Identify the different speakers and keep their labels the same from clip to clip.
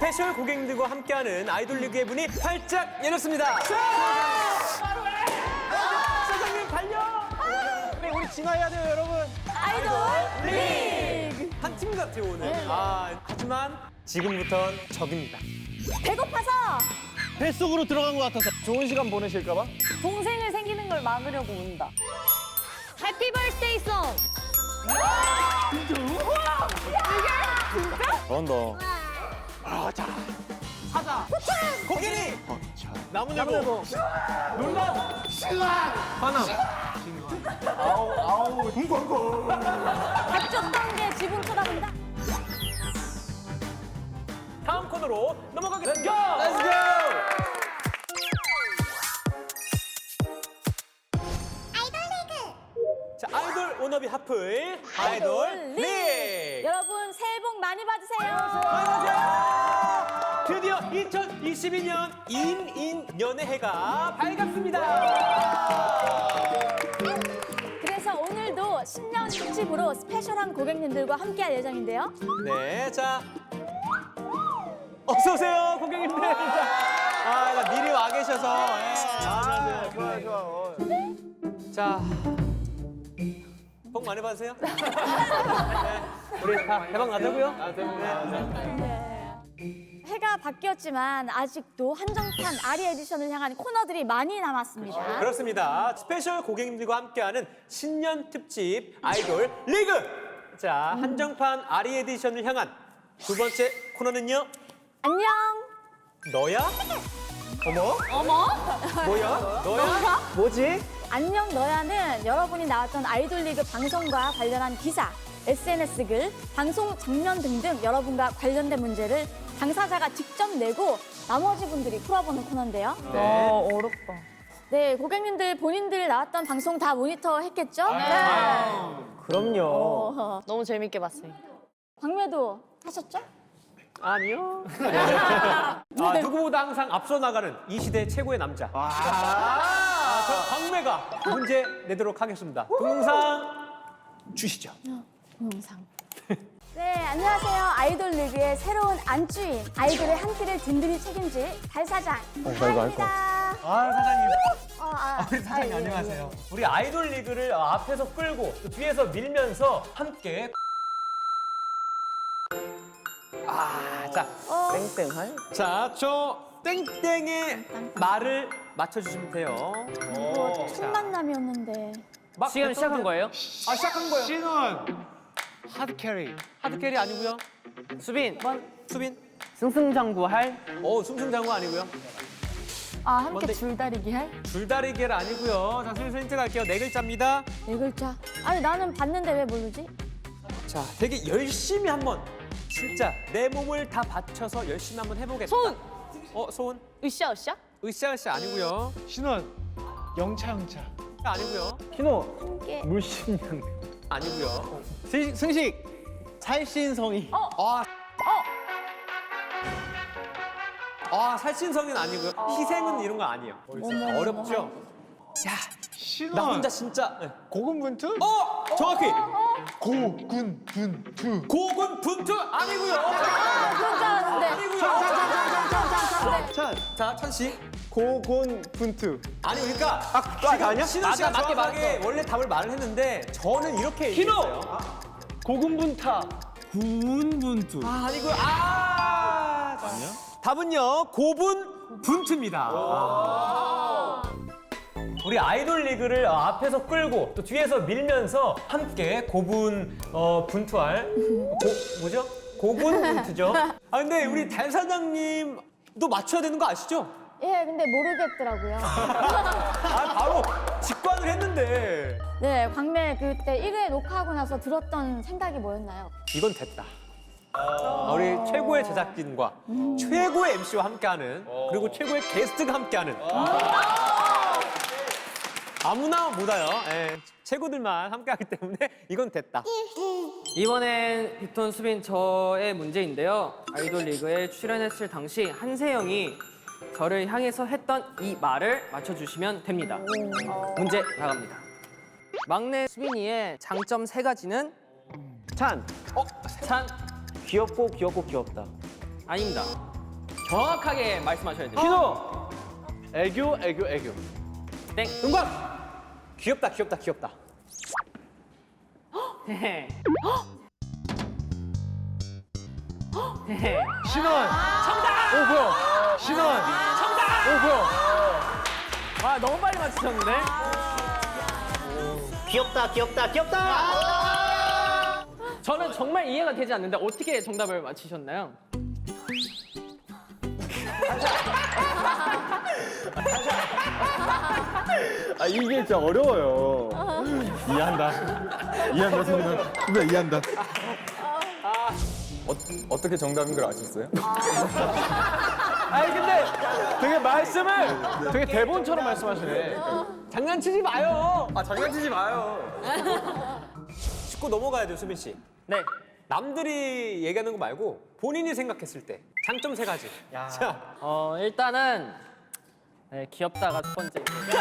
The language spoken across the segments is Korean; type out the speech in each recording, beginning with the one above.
Speaker 1: 스페셜 고객님들과 함께하는 아이돌 리그의 문이 활짝 열렸습니다. 사장님 달려! 우리 진화해야 돼요, 여러분.
Speaker 2: 아이돌 리그!
Speaker 1: 한 팀 같아요, 오늘. 하지만 지금부턴 적입니다.
Speaker 2: 배고파서
Speaker 3: 뱃속으로 들어간 것 같아서 좋은 시간 보내실까 봐?
Speaker 2: 동생을 생기는 걸 막으려고 온다. 해피 버스데이 송!
Speaker 3: 잘한다.
Speaker 1: 고객님!
Speaker 3: 나무늘보.
Speaker 2: 닥쳤던 게 지붕 쳐다본다.
Speaker 1: 다음 코너로 넘어가겠습니다.
Speaker 3: Let's go!
Speaker 1: 자, 아이돌 워너비 하플 아이돌 리그!
Speaker 2: 여러분 새해 복 많이 받으세요.
Speaker 1: 안녕하세요. 드디어 2022년 인인연의 해가 밝았습니다.
Speaker 2: 그래서 오늘도 신년 특집으로 스페셜한 고객님들과 함께할 예정인데요.
Speaker 1: 네, 자 어서 오세요, 고객님들. 자, 미리 와 계셔서.
Speaker 3: 좋아, 좋아.
Speaker 1: 자, 복 많이 받으세요. 네, 우리 다 대박 나자고요.
Speaker 2: 해가 바뀌었지만 아직도 한정판 아리 에디션을 향한 코너들이 많이 남았습니다.
Speaker 1: 그렇습니다. 스페셜 고객님들과 함께하는 신년 특집 아이돌 리그. 자, 한정판 아리 에디션을 향한 두 번째 코너는요.
Speaker 2: 안녕.
Speaker 1: 너야? 어머? 뭐야? 너야? 뭐지?
Speaker 2: 안녕 너야는 여러분이 나왔던 아이돌 리그 방송과 관련한 기사, SNS 글, 방송 장면 등등 여러분과 관련된 문제를 당사자가 직접 내고 나머지 분들이 풀어보는 코너인데요.
Speaker 4: 어렵다.
Speaker 2: 네, 고객님들 본인들 나왔던 방송 다 모니터 했겠죠?
Speaker 1: 그럼요.
Speaker 4: 너무 재밌게 봤어요.
Speaker 2: 광매도 하셨죠?
Speaker 1: 아니요. 누구보다 항상 앞서 나가는 이 시대 최고의 남자. 저 광매가 문제 내도록 하겠습니다. 동영상 주시죠.
Speaker 2: 동영상. 네, 안녕하세요. 아이돌 리그의 새로운 안주인, 아이돌의 한 끼를 든든히 책임질 달사장 하입니다.
Speaker 1: 사장님. 우리
Speaker 2: 예,
Speaker 1: 사장님
Speaker 2: 예,
Speaker 1: 안녕하세요. 우리 아이돌 리그를 앞에서 끌고 또 뒤에서 밀면서 함께. 자,
Speaker 3: 땡땡할?
Speaker 1: 자, 저 땡땡의 말을 맞춰주시면 돼요.
Speaker 2: 이거 첫 만남이었는데.
Speaker 1: 막
Speaker 4: 지금 시작한 거예요?
Speaker 1: 시작한 거예요.
Speaker 3: 신원! 하드캐리.
Speaker 1: 하드캐리 아니고요.
Speaker 4: 수빈,
Speaker 1: 수빈.
Speaker 4: 승승장구할
Speaker 1: 승승장구 아니고요.
Speaker 2: 함께
Speaker 1: 뭔데?
Speaker 2: 줄다리기 할?
Speaker 1: 줄다리기를 아니고요. 자, 슬슬 힌트 갈게요. 네 글자입니다.
Speaker 2: 네 글자. 아니, 나는 봤는데 왜 모르지?
Speaker 1: 자, 되게 열심히 한번 진짜 내 몸을 다 바쳐서 열심히 한번 해보겠다.
Speaker 4: 소은!
Speaker 1: 소은?
Speaker 4: 으쌰으쌰?
Speaker 1: 으쌰으쌰 아니고요.
Speaker 3: 신원! 영차.
Speaker 1: 아니고요.
Speaker 2: 함께.
Speaker 3: 물심양.
Speaker 1: 아니고요.
Speaker 3: 승식! 살신성이.
Speaker 1: 살신성은 아니고요. 희생은 이런 거 아니에요. 어렵죠? 나
Speaker 3: 신원!
Speaker 1: 혼자 진짜. 네.
Speaker 3: 고군분투?
Speaker 1: 정확히.
Speaker 3: 고군분투.
Speaker 1: 고군 분투 아니고요.
Speaker 2: 그런 줄 알았는데.
Speaker 1: 아니고요. 자, 천씨.
Speaker 3: 고군분투.
Speaker 1: 아니, 그러니까
Speaker 3: 아니야?
Speaker 1: 신호 씨가
Speaker 4: 맞아, 맞게
Speaker 1: 정확하게
Speaker 4: 말했어.
Speaker 1: 원래 답을 말을 했는데 저는 이렇게 얘기했어요.
Speaker 3: 고군분타. 구운분투.
Speaker 1: 아니고요. 아니야? 답은요. 고분 분투입니다. 우리 아이돌 리그를 앞에서 끌고 또 뒤에서 밀면서 함께 고분 분투할 뭐죠? 고군 분투죠. 근데 우리 달 사장님도 맞춰야 되는 거 아시죠?
Speaker 2: 예, 근데 모르겠더라고요.
Speaker 1: 바로 직관을 했는데
Speaker 2: 네, 광매 그때 1회 녹화하고 나서 들었던 생각이 뭐였나요?
Speaker 1: 이건 됐다. 우리 최고의 제작진과 최고의 MC와 함께하는 그리고 최고의 게스트가 함께하는 아무나 못 와요. 예, 최고들만 함께하기 때문에 이건 됐다.
Speaker 4: 이번엔 빅톤 수빈 저의 문제인데요. 아이돌 리그에 출연했을 당시 한세영이 저를 향해서 했던 이 말을 맞춰주시면 됩니다. 문제 나갑니다. 막내 수빈이의 장점 3가지는
Speaker 3: 찬.
Speaker 4: 찬,
Speaker 3: 귀엽고 귀엽다.
Speaker 4: 아닙니다. 정확하게 말씀하셔야 돼요.
Speaker 3: 키노. 애교, 애교, 애교.
Speaker 4: 땡.
Speaker 1: 은광. 귀엽다, 귀엽다, 귀엽다.
Speaker 4: 헤헤. 헤헤.
Speaker 3: 신원. 정답. 오 뭐야? 신원. 정답. 오 뭐야?
Speaker 4: 아, 너무 빨리 맞추셨는데?
Speaker 5: 귀엽다, 귀엽다, 귀엽다!
Speaker 4: 저는 정말 이해가 되지 않는데 어떻게 정답을 맞히셨나요?
Speaker 3: 아 이게 진짜 어려워요. 이해한다. 이해한다 선배 이해한다.
Speaker 6: 어떻게 정답인 걸 아셨어요?
Speaker 3: 아니 근데 되게 말씀을 되게 대본처럼 말씀하시네.
Speaker 1: 장난치지 마요.
Speaker 6: 아 장난치지 마요.
Speaker 1: 짚고 넘어가야 돼요, 수빈 씨.
Speaker 4: 네.
Speaker 1: 남들이 얘기하는 거 말고 본인이 생각했을 때 장점 3가지. 자,
Speaker 4: 일단은 네, 귀엽다가 첫 번째.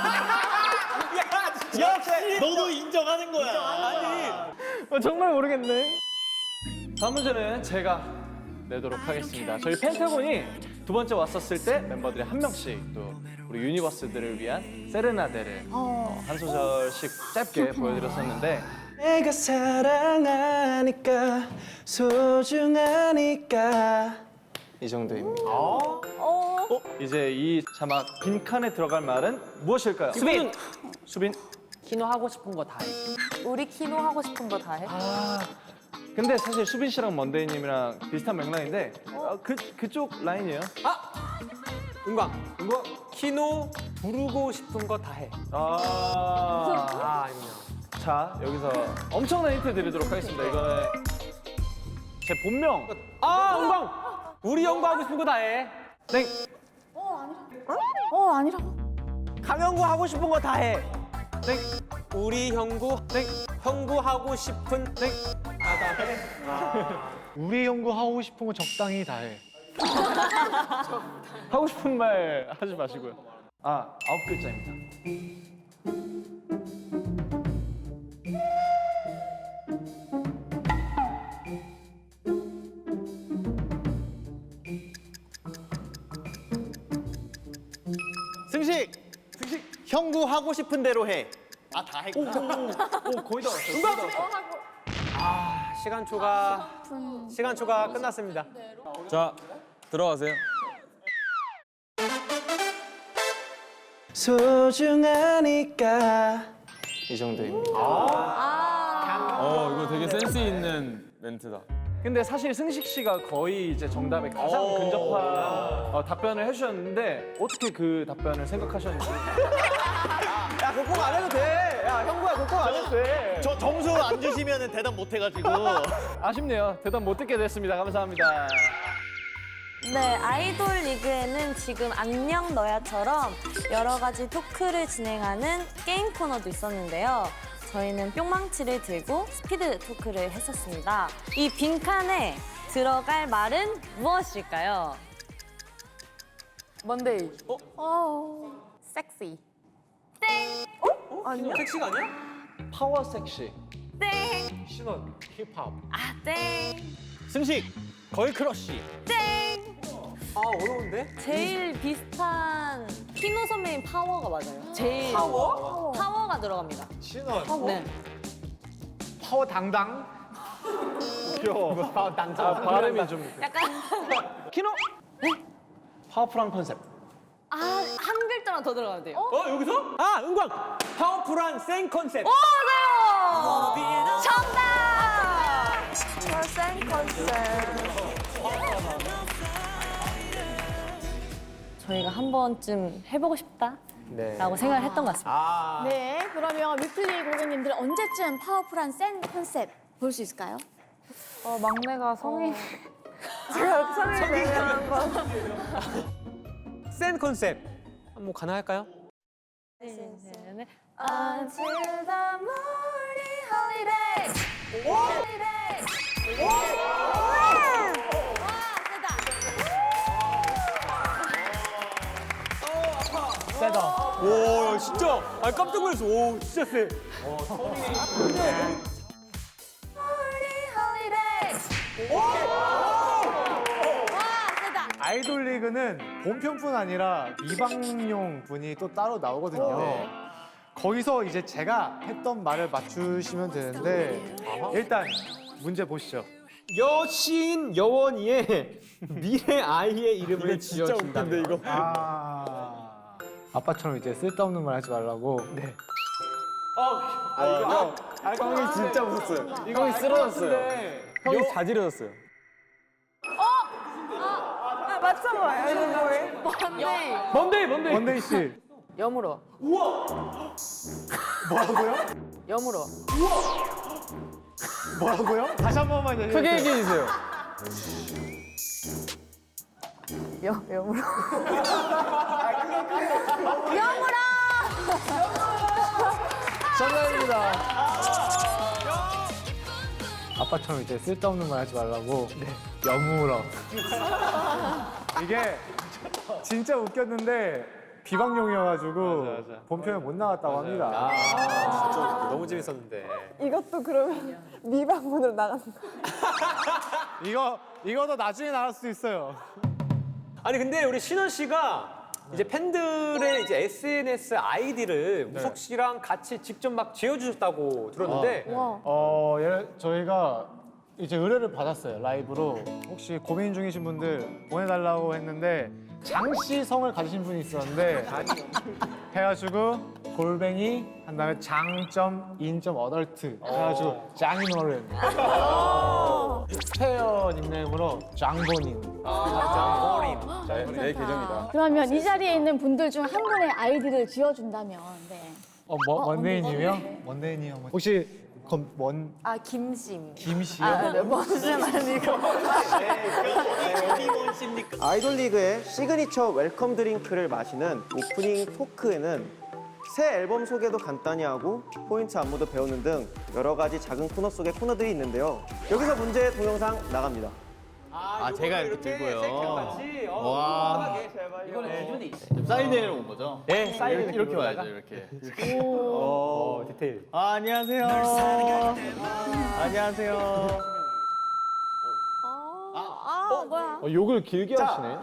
Speaker 1: 역시
Speaker 5: 너도 인정하는 거야.
Speaker 3: 정말 모르겠네. 다음 문제는 제가 내도록 하겠습니다. 저희 펜타곤이 두 번째 왔었을 때 멤버들이 한 명씩 또 우리 유니버스들을 위한 세레나데를 한 소절씩 짧게 보여드렸었는데 내가 사랑하니까 소중하니까 이 정도입니다. 이제 이 자막 빈칸에 들어갈 말은 무엇일까요?
Speaker 4: 수빈!
Speaker 3: 수빈.
Speaker 4: 키노 하고 싶은 거 다 해.
Speaker 2: 우리 키노 하고 싶은 거 다 해?
Speaker 3: 근데 사실 수빈 씨랑 먼데이님이랑 비슷한 맥락인데 그쪽 라인이에요.
Speaker 1: 은광. 키노 부르고 싶은 거 다 해. 아니요.
Speaker 3: 자 여기서 엄청난 힌트 드리도록 하겠습니다. 이거는 제 본명.
Speaker 1: 은광. 우리 형부 하고 싶은 거 다 해.
Speaker 3: 땡.
Speaker 2: 아니라고.
Speaker 1: 강형구 하고 싶은 거 다 해.
Speaker 3: 땡.
Speaker 1: 우리 형구.
Speaker 3: 땡.
Speaker 1: 형구 하고 싶은.
Speaker 3: 땡.
Speaker 6: 우리 연구 하고 싶은 거 적당히 다 해.
Speaker 3: 하고 싶은 말 하지 마시고요. 9글자입니다.
Speaker 5: 승식! 형구 하고 싶은 대로 해. 아, 다 했구나.
Speaker 3: 오 거의 다 왔어요.
Speaker 1: 시간 초가 끝났습니다.
Speaker 6: 자 들어가세요.
Speaker 3: 소중하니까 이 정도입니다.
Speaker 6: 이거 되게 센스 있는 멘트다.
Speaker 3: 근데 사실 승식 씨가 거의 이제 정답에 가장 근접한 답변을 해주셨는데 어떻게 그 답변을 생각하셨는지.
Speaker 5: 야, 그거 꼭 안 해도 돼. 야, 형구야, 그거 꼭 안 해도 돼. 저 점수 안 주시면 대답 못 해가지고.
Speaker 3: 아쉽네요. 대답 못 듣게 됐습니다. 감사합니다.
Speaker 7: 네, 아이돌 리그에는 지금 안녕 너야처럼 여러 가지 토크를 진행하는 게임 코너도 있었는데요. 저희는 뿅망치를 들고 스피드 토크를 했었습니다. 이 빈칸에 들어갈 말은 무엇일까요?
Speaker 2: 먼데이.
Speaker 7: 섹시.
Speaker 1: 섹시가 아니야?
Speaker 3: 파워 섹시.
Speaker 7: 땡.
Speaker 1: 신원. 힙합.
Speaker 7: 아, 땡.
Speaker 5: 승식, 걸 크러쉬.
Speaker 7: 땡.
Speaker 1: 어려운데?
Speaker 7: 제일 비슷한 키노 선배님 파워가 맞아요. 제일. 파워? 파워가 들어갑니다.
Speaker 1: 신원.
Speaker 7: 네.
Speaker 6: 파워 당당.
Speaker 3: 귀여워. 발음이 좀.
Speaker 7: 약간
Speaker 3: 키노? 파워풀한 컨셉.
Speaker 7: 한 글자만 더 들어가도 돼요.
Speaker 1: 여기서? 은광. 파워풀한 센 컨셉.
Speaker 7: 맞아요. 정답.
Speaker 2: 센 컨셉.
Speaker 7: 저희가 한 번쯤 해보고 싶다라고
Speaker 1: 네.
Speaker 7: 생각을 했던 것 같습니다.
Speaker 2: 네, 그러면 위클리 고객님들 언제쯤 파워풀한 센 컨셉 볼 수 있을까요?
Speaker 7: 막내가 성인.
Speaker 1: 센 컨셉. 한번 가능할까요?
Speaker 7: Until the morning holiday.
Speaker 1: 세다. 오, 진짜. 깜짝 놀랐어. 오, 진짜 세.
Speaker 7: Holiday.
Speaker 8: 아이돌 리그는 본편뿐 아니라 미방용 분이 또 따로 나오거든요. 거기서 이제 제가 했던 말을 맞추시면 되는데 일단 문제 보시죠.
Speaker 1: 여신 여원이의 미래 아이의 이름을 지어준다. 이거.
Speaker 8: 아빠처럼 이제 쓸데없는 말 하지 말라고. 네.
Speaker 5: 형이 진짜 웃었어요.
Speaker 6: 형이 쓰러졌어요. 형이 자지러졌어요.
Speaker 4: 뭔데?
Speaker 8: 원데이 씨.
Speaker 4: 여물어.
Speaker 8: 뭐라고요?
Speaker 4: 여물어.
Speaker 8: 뭐라고요? 다시 한 번만 얘기해
Speaker 6: 크게
Speaker 8: 주세요.
Speaker 6: 얘기해 주세요.
Speaker 7: 여물어.
Speaker 8: 정답입니다. 아빠처럼 이제 쓸데없는 말 하지 말라고. 네. 여물어. 이게 진짜 웃겼는데 비방용이어가지고 본편에 못 나갔다고 합니다.
Speaker 1: 진짜 너무 재밌었는데.
Speaker 7: 이것도 그러면 미방문으로 나가는 거.
Speaker 8: 이거도 나중에 나갈 수도 있어요.
Speaker 1: 아니 근데 우리 신원 씨가 이제 팬들의 이제 SNS 아이디를 우석 씨랑 같이 직접 막 지어주셨다고 들었는데
Speaker 8: 저희가 이제 의뢰를 받았어요. 라이브로. 혹시 고민 중이신 분들 보내달라고 했는데 장씨 성을 가지신 분이 있었는데 해가지고 골뱅이 한 다음에 장점 인점 어덜트 해가지고 장인어른 스페어 닉네임으로 장본인.
Speaker 6: 내 계정이다.
Speaker 2: 그러면 이 자리에 있는 분들 중 한 분의 아이디를 지어준다면, 네.
Speaker 8: 원데이님이요? 원데이님 혹시 그럼
Speaker 7: 김심.
Speaker 8: 김씨요?
Speaker 7: 네, 무슨 아니고.
Speaker 5: 아이돌 리그의 시그니처 웰컴 드링크를 마시는 오프닝 토크에는 새 앨범 소개도 간단히 하고 포인트 안무도 배우는 등 여러 가지 작은 코너 속의 코너들이 있는데요. 여기서 문제 동영상 나갑니다.
Speaker 1: 제가 이렇게 들고요.
Speaker 5: 와.
Speaker 1: 이거는 기준이 있어.
Speaker 6: 사인회로 온 거죠?
Speaker 1: 네, 사인을
Speaker 6: 이렇게 와야죠, 이렇게.
Speaker 1: 디테일.
Speaker 5: 안녕하세요. 안녕하세요.
Speaker 2: 뭐야?
Speaker 6: 욕을 길게 하시네.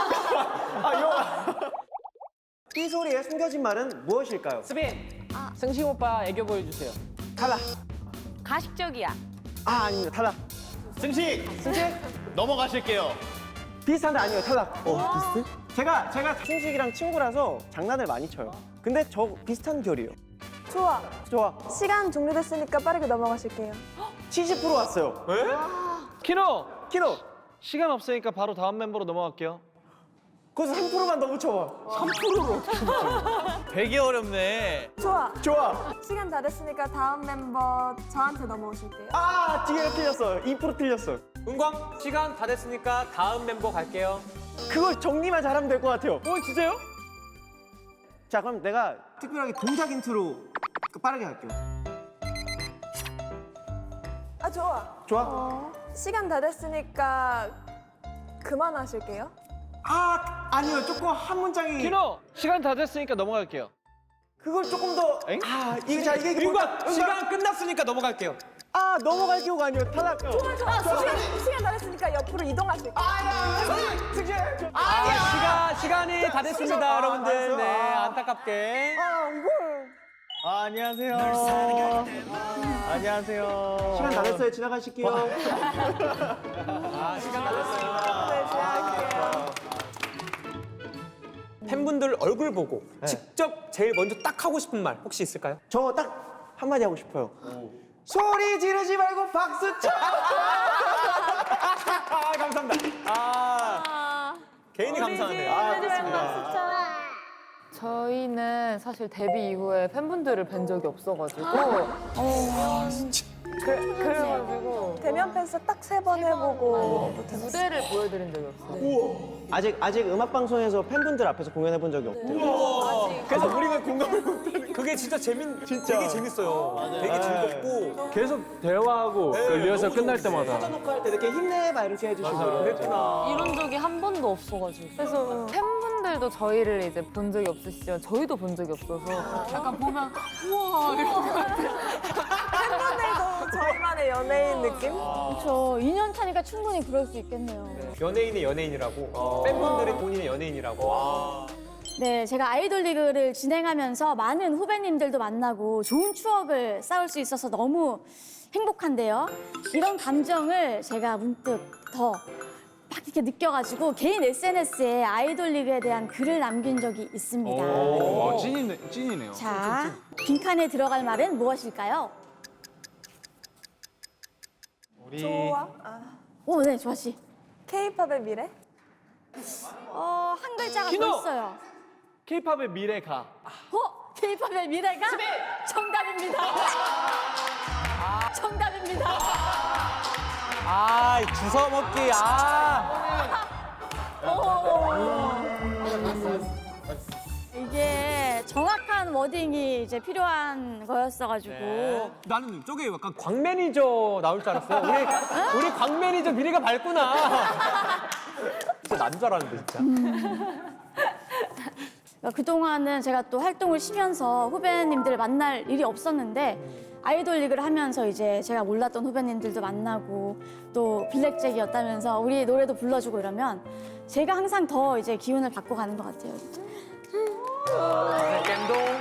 Speaker 5: 이 소리에 숨겨진 말은 무엇일까요?
Speaker 4: 수빈. 승식 오빠 애교 보여주세요.
Speaker 5: 탈락.
Speaker 7: 가식적이야.
Speaker 5: 아닙니다. 탈락.
Speaker 6: 승식! 넘어가실게요.
Speaker 5: 비슷한데 아니에요. 탈락. 비슷해? 제가 승식이랑 친구라서 장난을 많이 쳐요. 근데 저 비슷한 결이에요.
Speaker 9: 좋아.
Speaker 5: 좋아.
Speaker 9: 시간 종료됐으니까 빠르게 넘어가실게요.
Speaker 5: 70% 왔어요.
Speaker 3: 키노!
Speaker 5: 키로.
Speaker 3: 시간 없으니까 바로 다음 멤버로 넘어갈게요.
Speaker 5: 거기서 3%만 더 붙여봐. 3%로
Speaker 6: 되게 어렵네.
Speaker 9: 좋아.
Speaker 5: 좋아.
Speaker 9: 시간 다 됐으니까 다음 멤버 저한테 넘어오실게요.
Speaker 5: 뒤에 틀렸어요. 2% 틀렸어요.
Speaker 1: 은광 시간 다 됐으니까 다음 멤버 갈게요.
Speaker 5: 그거 정리만 잘하면 될 것 같아요. 진짜요? 자, 그럼 내가 특별하게 동작 힌트로 빠르게 할게요.
Speaker 9: 좋아.
Speaker 5: 좋아?
Speaker 9: 시간 다 됐으니까 그만하실게요.
Speaker 5: 아니요. 조금 한 문장이
Speaker 3: 키노! 시간 다 됐으니까 넘어갈게요.
Speaker 5: 그걸 조금 더 이게
Speaker 1: 은광 시간 끝났으니까 넘어갈게요.
Speaker 5: 넘어갈 경우가 아니에요. 탈락.
Speaker 9: 시간 다 됐으니까 옆으로 이동하실게요.
Speaker 1: 시간이 다 됐습니다, 여러분들. 네, 안타깝게.
Speaker 5: 안녕하세요. 안녕하세요. 시간 다 됐어요. 지나가실게요.
Speaker 1: 시간 다 됐습니다. 팬분들 얼굴 보고 직접 제일 먼저 딱 하고 싶은 말 혹시 있을까요?
Speaker 5: 저 딱 한마디 하고 싶어요. 소리 지르지 말고 박수 쳐.
Speaker 1: 감사합니다. 개인이 감사하네요.
Speaker 5: 좋습니다.
Speaker 7: 저희는 사실 데뷔 이후에 팬분들을 뵌 적이 없어가지고. 그래가지고
Speaker 9: 대면 팬스 딱 3번 해보고
Speaker 7: 무대를 보여드린 적이 없어요.
Speaker 5: 아직 음악 방송에서 팬분들 앞에서 공연해 본 적이 없대요.
Speaker 1: 그래서 우리가 공감을 못하는 그게 진짜 되게 재밌어요. 되게 즐겁고
Speaker 3: 계속 대화하고 그 리허설 끝날 때마다.
Speaker 5: 사전 녹화할 때 이렇게 힘내봐 이렇게 해주시고
Speaker 1: 그랬구나.
Speaker 7: 이런 적이 한 번도 없어가지고. 그래서 팬분들도 저희를 이제 본 적이 없으시지만 저희도 본 적이 없어서 약간 보면 우와 이런 것 같아요.
Speaker 9: 팬분들도 저희만의 연예인 느낌?
Speaker 2: 그렇죠. 2년 차니까 충분히 그럴 수 있겠네요.
Speaker 1: 연예인의 연예인이라고. 팬분들이 본인의 연예인이라고.
Speaker 2: 네, 제가 아이돌 리그를 진행하면서 많은 후배님들도 만나고 좋은 추억을 쌓을 수 있어서 너무 행복한데요. 이런 감정을 제가 문득 더 막 이렇게 느껴가지고 개인 SNS에 아이돌 리그에 대한 글을 남긴 적이 있습니다.
Speaker 8: 찐이네요.
Speaker 2: 자, 빈칸에 들어갈 말은 무엇일까요?
Speaker 8: 우리
Speaker 9: 좋아.
Speaker 2: 오, 네, 조아 씨.
Speaker 9: K-팝의 미래?
Speaker 2: 한 글자가
Speaker 3: 키노!
Speaker 2: 더 있어요.
Speaker 3: K-팝의 미래가.
Speaker 2: K-팝의 미래가 정답입니다. 정답입니다.
Speaker 1: 아, 주워 먹기.
Speaker 2: 이게 정확한 워딩이 이제 필요한 거였어가지고.
Speaker 1: 나는 저게 약간 광 매니저 나올 줄 알았어요. 우리 광 매니저 미래가 밝구나. 진짜 난 줄 알았는데 진짜.
Speaker 2: 그동안은 제가 또 활동을 쉬면서 후배님들을 만날 일이 없었는데 아이돌 리그를 하면서 이제 제가 몰랐던 후배님들도 만나고 또 블랙잭이었다면서 우리 노래도 불러주고 이러면 제가 항상 더 이제 기운을 받고 가는 것 같아요.
Speaker 1: 겜동.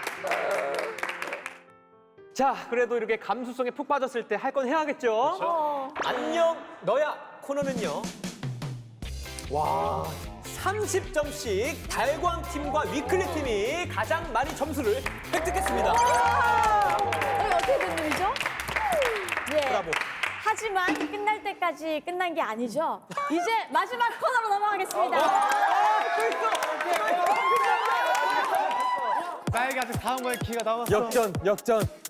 Speaker 1: 자, 그래도 이렇게 감수성에 푹 빠졌을 때 할 건 해야겠죠? 안녕 너야 코너는요. 와, 30점씩 달광팀과 위클리 팀이 가장 많이 점수를 획득했습니다.
Speaker 2: 이게 어떻게 된 일이죠? 예.
Speaker 1: 브라보.
Speaker 2: 하지만 끝날 때까지 끝난 게 아니죠. 이제 마지막 코너로 넘어가겠습니다.
Speaker 8: 나에게 아직 다음 거에 기회가 남았어.
Speaker 1: 역전.